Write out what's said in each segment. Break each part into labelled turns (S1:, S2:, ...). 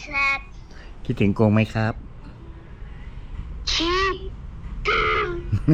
S1: Z
S2: คิดถึงกงไหมครับ
S1: คิดถึง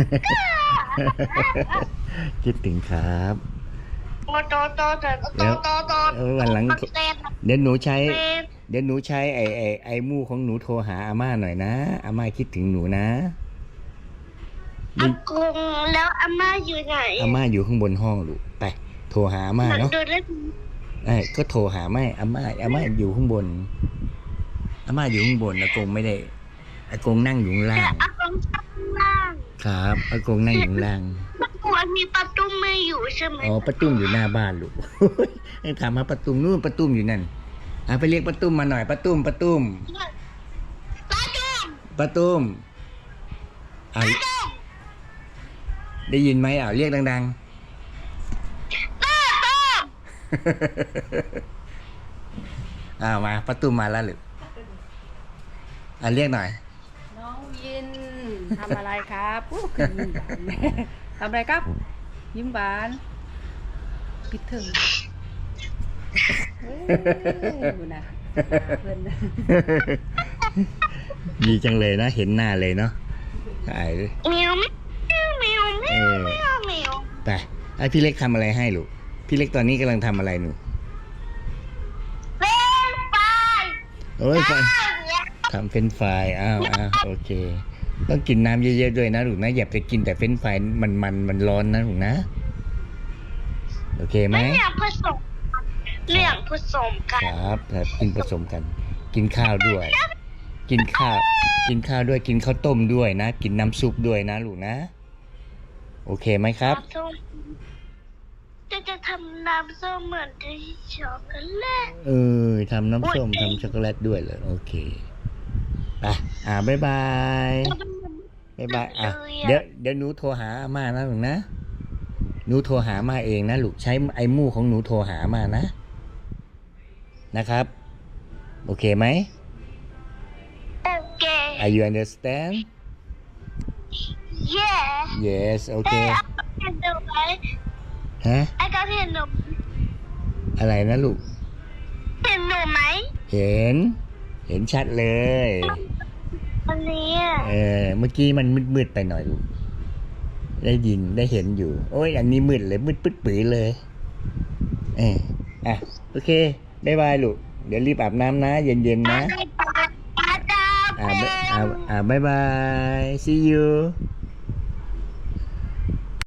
S2: คิดถึงครับ
S1: โต
S2: วันหลัง
S1: เต้น
S2: เดี๋ยวหนูใช้
S1: เต้น
S2: เดี๋ยวหนูใช้ไอ้มู่ของหนูโทรหาอาม่าหน่อยนะอาม่าคิดถึงหนูนะ
S1: อากงแล้วอาม่าอยู่ไหน
S2: อาม่าอยู่ข้างบนห้องลูกไปโทรหาอาม่าเนาะ
S1: ดูได้
S2: ก็โทรหาไม่อาม่าอยู่ข้างบนอาม่าอยู่ข้างบนอากงไม่ได้อากงนั่งอยู่ข้างล่า
S1: แต่
S2: ง
S1: อากงข้างล่าง
S2: ครับอากงนั่งอยู่ข้างล่าง
S1: ประตูมีประตูไม่อยู่ใช่ไหม
S2: อ๋อป้าตุ้มอยู่หน้าบ้านลูก ให้ถามหาป้าตุ้มนู่นป้าตุ้มอยู่นั่นไปเรียกป้าตุ้มมาหน่อยป้าตุ้ม
S1: ประตู
S2: ป้าตุ้มได้ยินไหมเรียกดังๆ มาป้าตุ้มมาแล้วหรือเรียกหน่อย
S3: น้องยินทำอะไรครับคือยิ้มหวานทำอะไรครับ ยิ้มหวานปิดถึงดูนะเพื่อน
S2: ดีจังเลยนะเห็นหน้าเลยเนาะ
S1: เหมียวเหมียวเหมียวเหมียวเหมียว
S2: ไปพี่เล็กทำอะไรให้ลูกพี่เล็กตอนนี้กำลังทำอะไรหนู
S1: เป็นไฟ
S2: โอ้ยทำเฟรนช์ฟรายโอเค ต้องกินน้ำเยอะๆด้วยนะลูกนะอย่าไปกินแต่เฟรนช์ฟรายมันร้อนนะลูกนะโอเคไหม
S1: เรื่องผสมเรื่องผสมกั
S2: คน รับกินผสมกัน กินข้าวด้วย กินข้าวด้วยกินข้าวต้มด้วยนะกินน้ำซุปด้วยนะลูกนะโอเคไหมครับ
S1: น้ำส้มจะทำน้ำส้มเหมือนที่ช็อกโกแลต
S2: ทำน้ำส้มทำช็อกโกแลตด้วยเหรอโอเคไปบ๊ายบายเดี๋ยวหนูโทรหาอาม่านะลูกนะหนูโทรหาอาม่าเองนะลูกใช้ไอ้มู่ของหนูโทรหาอาม่านะครับโอเคไหม
S1: โอเค
S2: Are you understand
S1: yeah
S2: Yes โอเค
S1: เห็นหนูไหม
S2: ฮะ
S1: ไอ้ก็เห็นหนู
S2: อะไรนะลูก
S1: เห็นหนูไหม
S2: เห็นชัดเลย
S1: อันนี้
S2: เมื่อกี้มันมืดไปหน่อยลูกได้ยินได้เห็นอยู่โอ้ยอันนี้มืดเลยมืดปึ๊ดปื๋อเลยโอเคบ๊ายบายลูกเดี๋ยวรีบอาบน้ำนะเย็นๆนะ
S1: ปลาดาวเป็น
S2: บ๊ายบาย see you